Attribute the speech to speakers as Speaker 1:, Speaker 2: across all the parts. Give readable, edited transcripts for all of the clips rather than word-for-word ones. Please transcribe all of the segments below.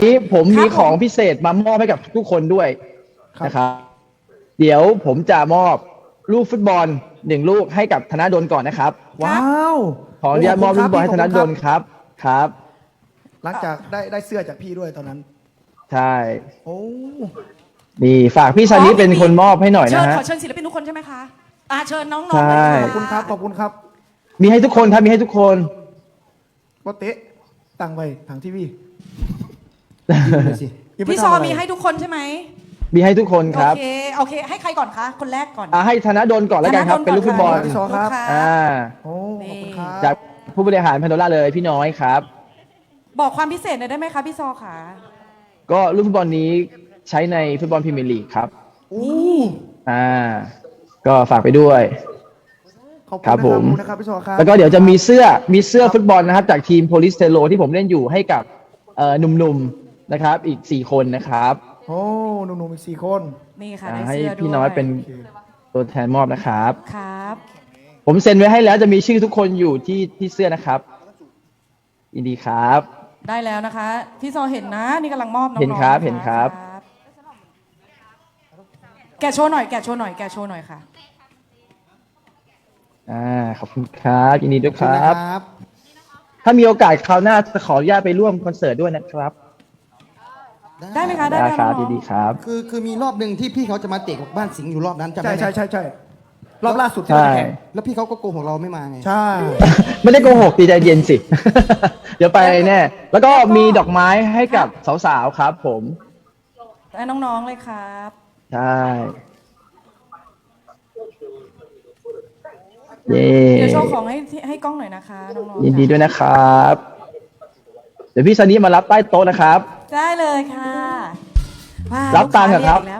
Speaker 1: นี้ผมมี
Speaker 2: ครับผม
Speaker 1: ของพิเศษมามอบให้กับทุกคนด้วยนะครับเดี๋ยวผมจะมอบลูกฟุตบอล1 ลูกให้กับธนดลก่อนนะครับ
Speaker 2: ว้าว
Speaker 1: ขออนุญาตมอบลูกฟุตบอลให้ธนดลครับครับ
Speaker 2: หลังจากได้เสื้อจากพี่ด้วยตอนนั้น
Speaker 1: ใช่
Speaker 2: โอ้
Speaker 1: นี่ฝากพี่ชานิดเป็นคนมอบให้หน่อยนะฮะ
Speaker 3: ขอเชิญศิลปินทุกคนใช่ไหมคะเชิญน้องๆ
Speaker 1: ใช่
Speaker 3: เลย
Speaker 2: ขอบคุณครับขอบคุณครับ
Speaker 1: มีให้ทุกคนครับมีให้ทุกคน
Speaker 2: ว่าเตะตั้งไว้ทางทีวี
Speaker 3: พี่ซอมีให้ทุกคนใช่ไหม
Speaker 1: มีให้ทุกคนครับ
Speaker 3: โอเคให้ใครก่อนคะคนแรกก่อน
Speaker 1: ให้ธนดลก่อนแล้วกันครับ เป็นลูกฟุตบอล
Speaker 2: พี่ซอครับ โอ้ขอบคุณครับ
Speaker 1: จากผู้บริหารแพนโดล่าเลยพี่น้อยครับ
Speaker 3: บอกความพิเศษหน่อยได้ไหมคะพี่ซอค่ะ
Speaker 1: ก็ลูกฟุตบอลนี้ใช้ในฟุตบอลพรีเมียร์ลีกครับ
Speaker 2: โอ้
Speaker 1: ก็ฝากไปด้วย
Speaker 2: ขอบคุณ
Speaker 1: ครับผม
Speaker 2: นะครับพี่ซอครับ
Speaker 1: แล้วก็เดี๋ยวจะมีเสื้อฟุตบอลนะครับ จากทีมโพลิสเทโลที่ผมเล่นอยู่ให้กับหนุ่มๆนะครับอีก4 คนนะครับ
Speaker 2: โอ้หนุ่มๆอีก4 คน
Speaker 3: นี่ค่ะ
Speaker 1: ให้
Speaker 3: ได้เสื้อด้วย
Speaker 1: พี่น้อยเป็นตัวแทนมอบนะครับ
Speaker 3: ครับ
Speaker 1: ผมเซ็นไว้ให้แล้วจะมีชื่อทุกคนอยู่ที่เสื้อนะครับยินดีครับ
Speaker 3: ได้แล้วนะคะพี่ซอเห็นนะนี่กำลังมอบน้องๆ
Speaker 1: เห็นครับ
Speaker 3: ะะ
Speaker 1: เห็นครับ
Speaker 3: แกะโชว์หน่อยแกะโชว์หน่อยแกะโชว์หน่อยค่ะ
Speaker 1: ขอบคุณครับยินดีด้วยครั
Speaker 2: ขอบ บ
Speaker 1: ถ้ามีโอกาสคราวหน้าจะขออนุญาตไปร่วมคอนเสิร์ตด้วยนะครับ
Speaker 3: ได้ไหมคะได้
Speaker 1: ได้
Speaker 3: ไหม
Speaker 1: ครับ
Speaker 3: น้องๆ
Speaker 1: ดีๆครับ
Speaker 4: คือมีรอบหนึ่งที่พี่เขาจะมาเตะกับบ้านสิงห์อยู่รอบนั้นจำ
Speaker 2: ใช่
Speaker 4: ได้ไหม
Speaker 2: ใช่รอบล่าสุดที่เราแข่ง
Speaker 4: แล้วพี่เขาก็โกหกเราไม่มาไง
Speaker 2: ใช่
Speaker 1: ไม่ได้โกหกดีใจเย็นสิ เดี๋ยวไปแน่ แล้วก็มีดอกไม้ให้กับสาวๆครับผม
Speaker 3: และน้องๆเลยครับ
Speaker 1: ใช่เย้
Speaker 3: เดี๋ยวโชว์ของให้กล้องหน่อยนะคะน้องๆ
Speaker 1: ยินดีด้วยนะครับ เดี๋ยวพี่ซันนี่มารับใต้โต๊ะนะครับ
Speaker 3: ได้เลยค่ะว้าว
Speaker 1: รับตังค์เหรอครับ
Speaker 3: ลูกาเยกอีกแล้ว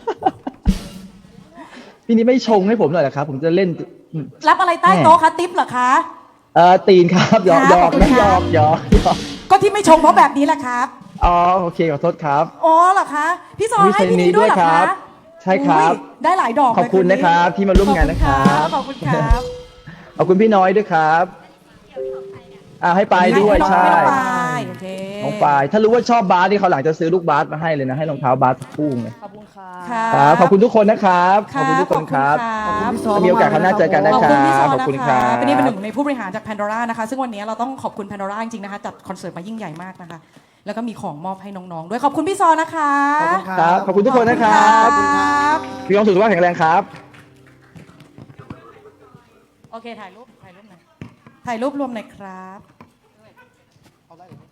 Speaker 1: พี่นี่ไม่ชงให้ผมหน่อยเหรอครับ ผมจะเล่น
Speaker 3: รับอะไรใต้โต๊ะคะติ๊บเหรอคะ
Speaker 1: ตีนครับหยอก
Speaker 3: ครับ
Speaker 1: หยอก
Speaker 3: ขอบคุณ
Speaker 1: นะหย
Speaker 3: ครั
Speaker 1: อบ กหยอกหยอก
Speaker 3: ก็ที่ไม่ชงเพราะแบบนี้แหละครับ
Speaker 1: อ๋อโอเคขอโทษครับ
Speaker 3: อ๋อเหรอคะพี่ซอ
Speaker 1: มี
Speaker 3: ให้พี่นี้ด้วยเหรอ
Speaker 1: เซนนี้ด้วยครั
Speaker 3: คะ
Speaker 1: บใช่ครับ
Speaker 3: อุ๊ยได้หลายดอก
Speaker 1: ขอบคุณ
Speaker 3: เลย
Speaker 1: นะครับที่มาร่วมงานนะครับ
Speaker 3: ขอบคุณครับ
Speaker 1: ขอบคุณพี่น้อยด้วยครับให้ไปด้วย
Speaker 3: ให้น้อง
Speaker 1: ใช่
Speaker 3: ให้น้องปายโอเค
Speaker 1: น้องปายถ้ารู้ว่าชอบบาสนี่เขาหลังจะซื้อลูกบาสมาให้เลยนะให้รองเท้าบาสคู่เลย
Speaker 3: ขอบคุณค่ะ
Speaker 1: ครับขอบคุณทุกคนนะครับขอบคุณทุกคนครับ
Speaker 3: ขอบคุณ
Speaker 2: พี่ซอ
Speaker 1: ถ้ามีโอกาสครั้งหน้าเจอกันนะ
Speaker 3: ขอบ
Speaker 1: ค
Speaker 3: คุณ
Speaker 1: รั
Speaker 3: พี่ซอบ
Speaker 1: ขอบ
Speaker 3: นะ
Speaker 1: คุณค
Speaker 3: คะ
Speaker 1: รับ
Speaker 3: เป็นนี่เป็นหนึ่งในผู้บริหารจาก Pandora นะคะ ซึ่งวันนี้เราต้องขอบคุณ Pandora จริงๆนะคะจัดคอนเสิร์ตมายิ่งใหญ่มากนะคะ แล้วก็มีของมอบให้น้องๆ ด้วยขอบคุณพี่ซอนะคะ
Speaker 2: ขอบคุณค
Speaker 1: ค
Speaker 2: รั
Speaker 1: รับ บขอบคุณทุกคนนะครับ
Speaker 3: ขอบคุณครับ
Speaker 1: มีความสุขสุขภาพแข็งแรงครับ
Speaker 3: โอเคถ่ายรูปหน่อยถ่ายรูปรวมหน่อยครับ
Speaker 4: เอาได้เลย